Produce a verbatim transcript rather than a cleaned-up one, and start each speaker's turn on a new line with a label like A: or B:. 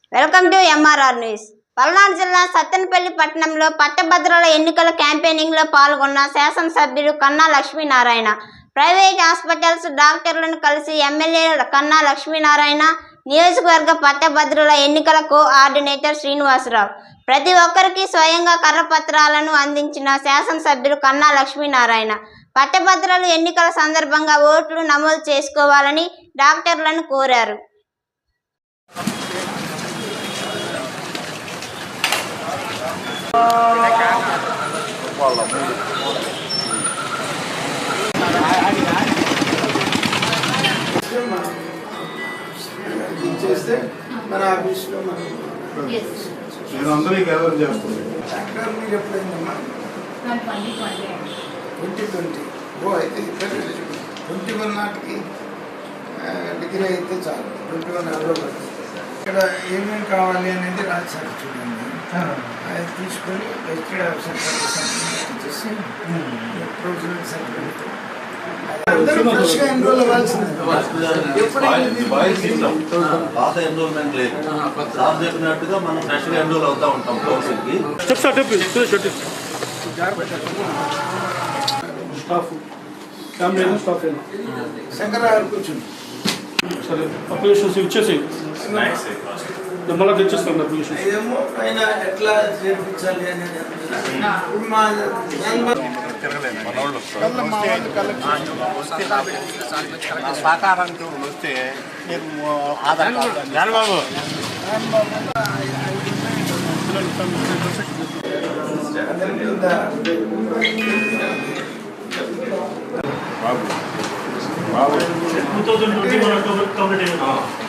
A: Welcome to MRR news. Palnadu జిల్లా సత్తెనపల్లి పట్టణంలో పట్టభద్రుల ఎన్నికల క్యాంపెయినింగ్ లో పాల్గొన్న శాసనసభ్యులు కన్నా లక్ష్మీనారాయణ ప్రైవేట్ హాస్పిటల్స్ డాక్టర్లను కలిసి ఎమ్మెల్యే కన్నా లక్ష్మీనారాయణ, నియోజకవర్గ పట్టభద్రుల ఎన్నికల కోఆర్డినేటర్ శ్రీనివాసరావు ప్రతి ఒక్కరికి స్వయంగా కర్రపత్రాలను అందించిన శాసనసభ్యులు కన్నా లక్ష్మీనారాయణ పట్టభద్రులు ఎన్నికల సందర్భంగా ఓట్లు నమోదు చేసుకోవాలని డాక్టర్లను కోరారు.
B: చేస్తే మన ఆఫీస్లో మనం
C: అందరికీ ఎవరు చేస్తుంది
B: మీరు ఎప్పుడైందమ్మా ట్వంటీ ట్వంటీ ఓ అయితే ట్వంటీ వన్ నాటికి డిగ్రీ అయితే చాలు. ట్వంటీ వన్ ఎవరో ఇక్కడ ఏమేమి కావాలి అనేది రాశారు చూడండి. అది తీసుకొని ఎస్టేట్ ఆఫీసర్ చేసి ప్రొవిజనల్ సర్టిఫికేట్ ఫ్రెష్గా ఎన్రోల్ అవ్వాల్సింది.
D: పాత ఎన్రోల్మెంట్ లేదు, సార్ చెప్పినట్టుగా మనం ఫ్రెష్గా ఎన్రోల్ అవుతూ ఉంటాం కౌన్సిల్కి.
B: శంకరరావు కూర్చుంది
E: సరే అప్లికేషన్స్ ఇచ్చేసి మళ్ళీ తెచ్చిస్తాను అప్లికేషన్.
B: ఏమో పైన ఎట్లా చేర్పించాలి అనేది
C: సహకారానికి వస్తే ఆధార్ కార్డు బాబు
E: two thousand twenty one October complete అయ్యింది.